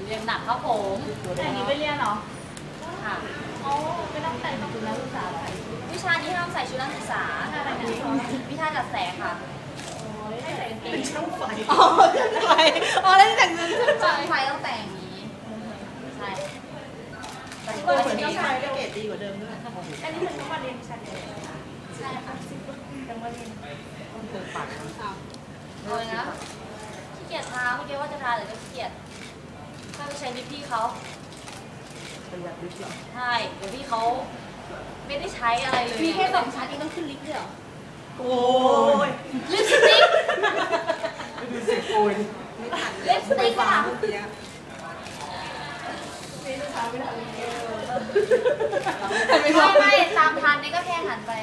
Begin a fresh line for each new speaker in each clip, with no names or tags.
เรียนหนักครับผม
แต่อันนี้ไม่เรียนเหรอ
ค่ะ
อ๋อไม่ต้องแต่งชุดนักศึกษาหรอ
วิชานี้ห้ามใส่ชุดนักศึกษาวิชาจัดแสงค่ะ
ให้ใส่กางเกงช่างไฟ
อ๋อช่างไฟอ๋อแล้วแต่งเงิน
ช่างไฟต้องแต่งอย่างนี้ใช่แต่ก็เหมือนที่
ช่างไฟก็เกรดดีกว่าเดิมด้วย
อันนี้มันต้องมาเรียนชั้นเลย
ใช่ค่ะ
ต้องมาเรียน
ต้องเติมปาก
เลยนะขี้เกียจทาเมื่อกี้ว่าจะทาแต่ก็ขี้เกียจถ้าไปใช้ลิปพี่เขา
ประหยัดลิปหรอ
ใช่เดี๋ยวพี่เขาไม่ได้ใช้อะไรเลย
มีแค่2 ชั้นเองต้องขึ้นลิฟต์ด้วยเหรอ
โอ้ย
ลิปสติก
ดูสิโอ้ย
ลิปสติกค่ะไม่ตามทันนี่ก็แค่หันไป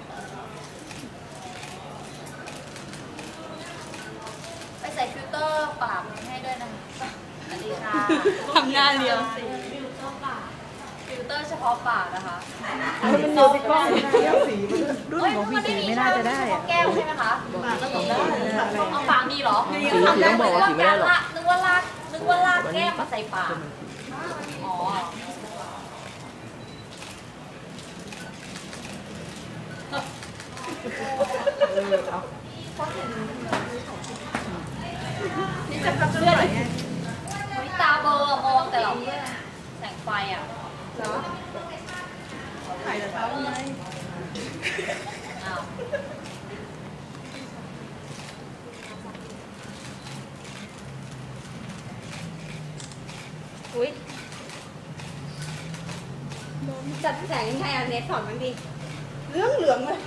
ใส่ฟิลเตอร์ปากให้ด้วยนะสวัสดีค่ะ
ทำหน้าเรียว
ฟิลเตอร์เฉพาะปากนะคะ
มันอยู่ที่กล้องสี
รุ่นของพี่สีไม่น่าจะได้อะแก้วใช่ไหมคะเอาปากดีเหรอ
สีต้องบอกว่าสีไม่ได้หรอก
นึกว่าลากแก้วมาใส่ปากอ๋อ
นี่จะพับเสื้อไหนไง
ตาเบอร์มองแต่เราแสงไฟอ่ะ
เหรอถ่ายแต่เช้าทำไม
อ้าว
อุ้ยจัดแสงยังไงอ่ะเน็ตสอนมันดิเหลืองเลย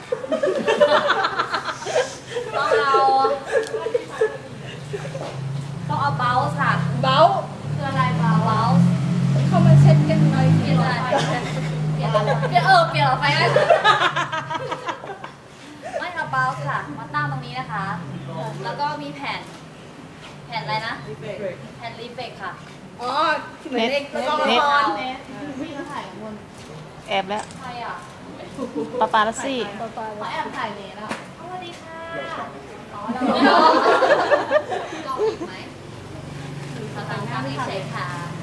ต้องเอาเบลส์ค่ะ
เบล
คืออะไรเบลส์
เข้ามาเช็ดกันหน่อย
เปลี่ยนอะไรเปลี่ยนหลอดไฟได้ไม่เอาเบลส์ค่ะมาตั้งตรงนี้นะคะแล้วก็มีแผ่นอะไรนะแผ่นรีเฟกค่ะ
อ๋อเหมือนเด็กละครวิ่งถ่ายบน
แอบแล้ว
ใครอ่ะ
ปาปาลัสซี่
เขาแอบถ่ายเลยแล้ว
สวัสดีค่ะอ๋อเราลองอีกไหมทางทางนี้เฉยค่ะ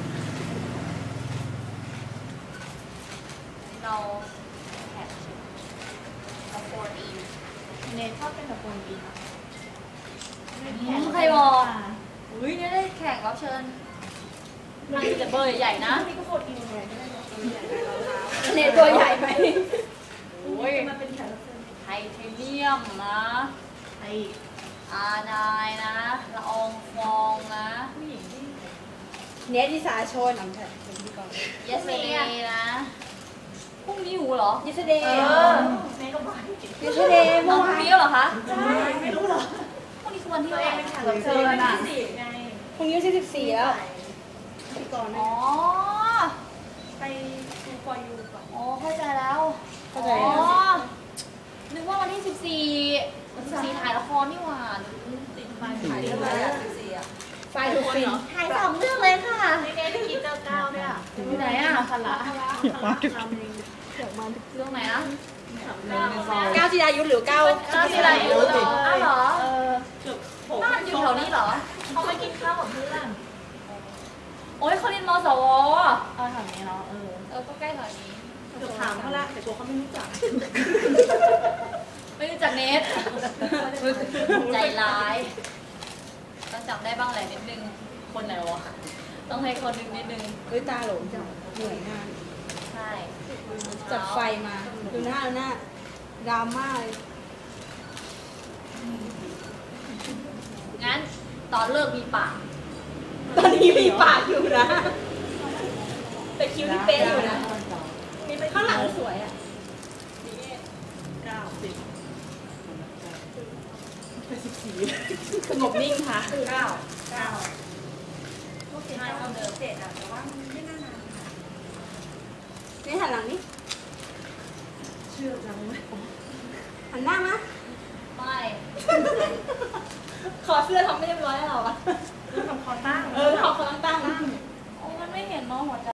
เราแท็กสปอร์ตอี
เนทชอบเป็นแบบคนดีนะ
ใครบอกอุ้ยเนี่ยได้แขกรับเชิญมันจะเบอร์ใหญ่นะ
นี่ก็โคตรอินเลยเนทตัวใหญ่ไหม
โอ้ยมันเป็นแขกรับเชิญไทเทเนียมนะ
ไอ
อาร์ไนนะละอองฟองนะ
ผู้หญิงที่เนทที่สาชนน้ำแข็งเป็นที่ก่อน
เยสเดย์นะพรุ่งนี้อยู่เหรอ
เยสเดย์เนทก็ไปเยสเดย์
เมื่อวานนี้เหรอคะ
ใช่ไม่รู้เหรอ
พรุ่งนี้คือวันที่อะไร
เป็นแขกรับเชิญอ่ะพรุ่งนี้ที่14แล้วที่ก่อน
อ๋อ
ไปดูฟอร์ยูก่อน
อ๋อเข้าใจแล้ว
เข้าใจ
นึกว่าวันที่14ถ่ายละครนี่หว่า
ติดไฟถ่ายแล้ว14อ่ะไฟทุกคนเหรอ
ถ่าย2 เรื่องเลยค่ะ
นี่ไงที่กิน99เนี่ย
ที่ไหนอ่ะ
คาระ
อยากมาทุก
เรื่องไหนนะ
9จิรายุหรือ9
จิรายุอ้าวเหรอบ้านอยู่แถวนี้เหรอ
เขาไปกินข้าวกับเพื่อน
โอ้ยเขาเรียนมสว
แถวนี้เนาะ
ก็ใกล้แถวนี้
เดี๋ยวถามเขาละแต่ตัวเขาไม่รู้จัก
ไม่รู้จักเนทใจร้ายต้องจับได้บ้างแหละนิดนึงคนไหนวะต้องให้คนนึงนิดนึง
ตาหลงจังเหนื่อยงาน
ใช่
จัดไฟมาดูหน้าดราม่าเลย
งั้นตอนเลิกมีปาก
ตอนนี้มีปากอยู่นะแต่คิ้วที่เป๊ะอยู่นะมีไปข้างหลังสวยอ่ะ14สงบนิ่งค่ะ
พวก15เท่าเดิม
7อ่ะแต่ว่ามันไม่น่านานนี่หันหลังนี่เชื่อจังเลยหันหน้ามา
ไม่
ขอเสื้อทำไม่เรียบร้อยแล้วเหรอทำคอตั้ง
ทำคอตั้งโอ้มันไม่เห็นเนาะหัวใจ